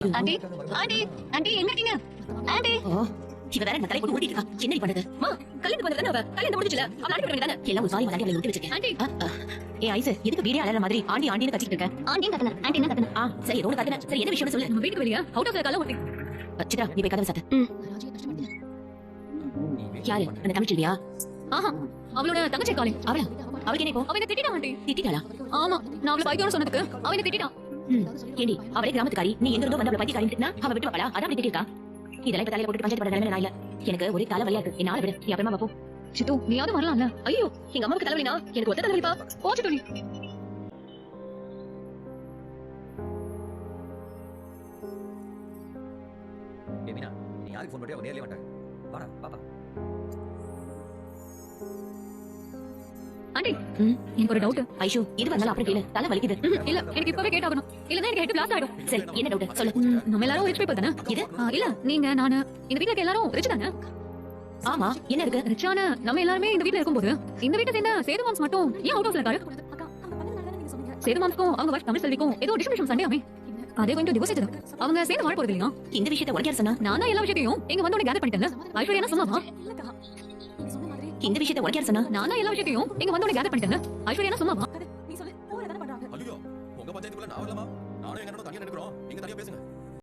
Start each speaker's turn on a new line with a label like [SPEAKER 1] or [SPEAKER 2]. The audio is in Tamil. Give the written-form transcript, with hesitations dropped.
[SPEAKER 1] ஆண்டி ஆண்டி ஆண்டி எங்க இருக்கீங்க ஆண்டி?
[SPEAKER 2] இவ வேற தலை போட்டு ஓடிட்டு இருக்கா. என்ன பண்ணுது? மா கல்யாணம் பண்ணது தானே அவ. கல்யாணம் முடிஞ்சல. அவ அனுப்பி விடுங்க தானே. எல்லாம் ஒரு சாரி மலாடி அவளை விட்டு வச்சிருக்கேன்.
[SPEAKER 1] ஆண்டி
[SPEAKER 2] ஏ ஐஸ் எதுக்கு வீடியோ அலற மாதிரி ஆண்டி ஆண்டின்னு கத்திட்டு இருக்க?
[SPEAKER 1] ஆண்டி கத்தன ஆண்டி என்ன கத்தன?
[SPEAKER 2] சரி ரோடு கத்தன. சரி என்ன விஷயம்னு சொல்லு.
[SPEAKER 1] நம்ம வீட்டுக்கு வெளிய அவுட் ஆஃப் த கால ஓட்டி.
[SPEAKER 2] சித்ரா நீ போய் கதவை சாத்து. யாரு அந்த தமிழ்ச்சியா?
[SPEAKER 1] ஆஹா அவளோட தங்கச்சி காலிங்.
[SPEAKER 2] அவளுக்கு என்ன இப்போ?
[SPEAKER 1] அவ என்ன திட்டிட்டா ஆண்டி.
[SPEAKER 2] திட்டிட்டாளா?
[SPEAKER 1] ஆமா நான் அவளை பைத்தியம்னு சொன்னதுக்கு அவ என்ன திட்டிட்டா.
[SPEAKER 2] ஏண்டி அவளே கிராமத்துக்காரி, நீ எங்க இருந்தோ வந்து அவளை பைத்தியக்காரின்னு திட்டினா அவ விட்டு பாப்பளா? அதான் அப்படி திட்டிருக்கா. இதெல்லாம் இப்ப தலையில போட்டு பஞ்சாயத்து பண்ண நிலைமையில நான் இல்ல. எனக்கு ஒரே தலை வலியா இருக்கு. என்னால விடு. நீ அப்புறமா வா போ.
[SPEAKER 1] சித்து நீயாவது வரலாம்ல.
[SPEAKER 2] ஐயோ எங்க அம்மாவுக்கு தலைவலினா எனக்கு ஒத்த தலைவலிப்பா.
[SPEAKER 1] போ சித்து நீ.
[SPEAKER 3] மீனா நீ யாருக்கு ஃபோன் பண்ணியா? அவ நேர்லயே வந்துட்டாங்க. வாடா பாப்பா.
[SPEAKER 1] ஆண்டி எனக்கு ஒரு டவுட்.
[SPEAKER 2] ஐஷோ இது வந்தாலும் அப்புறம் கேளு. தலை வலிக்குது.
[SPEAKER 1] இல்ல எனக்கு இப்பவே கேட்டாகணும். இல்லனா எனக்கு ஹெட் பிளாஸ்ட் ஆயிடும்.
[SPEAKER 2] சரி என்ன டவுட் சொல்லு.
[SPEAKER 1] நம்ம எல்லாரும் ரிச் பீப்பிள் தானே.
[SPEAKER 2] இது
[SPEAKER 1] இல்ல நீங்க நானு இந்த வீட்ல இருக்க எல்லாரும் ரிச் தானே.
[SPEAKER 2] ஆமா என்ன இருக்கு?
[SPEAKER 1] ரிச்சான நம்ம எல்லாருமே இந்த வீட்ல இருக்கும்போது இந்த வீட்டை சேர்ந்த சேது மாம்ஸ் மட்டும் ஏன் அவுட் ஆஃப்ல இருக்காரு? சேது மாம்ஸ்க்கும் அவங்க வைஃப் தமிழ் செல்விக்கும் ஏதோ டிஸ்ட்ரிபியூஷன் சண்டே ஆமே. அதே கொஞ்சம் டிவோர்ஸ் ஆயிடுது. அவங்க சேர்ந்து வாழ போறது இல்லையா?
[SPEAKER 2] இந்த விஷயத்தை உனக்கு யார் சொன்னா?
[SPEAKER 1] நான் தான் எல்லா விஷயத்தையும் இங்க வந்து கேதர் பண்ணிட்டேன். ஐஸ்வர்யா சும்மாவா?
[SPEAKER 2] இந்த விஷயத்தை உனக்கு யார் சொன்னா?
[SPEAKER 1] நான் தான் எல்லா விஷயத்தையும் இங்க வந்து கேதர் பண்ணிட்டேன். ஐஸ்வர்யா சும்மாவா?
[SPEAKER 3] ஐயோ உங்க பஞ்சாயத்துக்குள்ள நான் வரலாமா? நானும் எங்க அண்ணனும் தனியா நினைக்கிறோம். நீங்க தனியா பேசுங்க.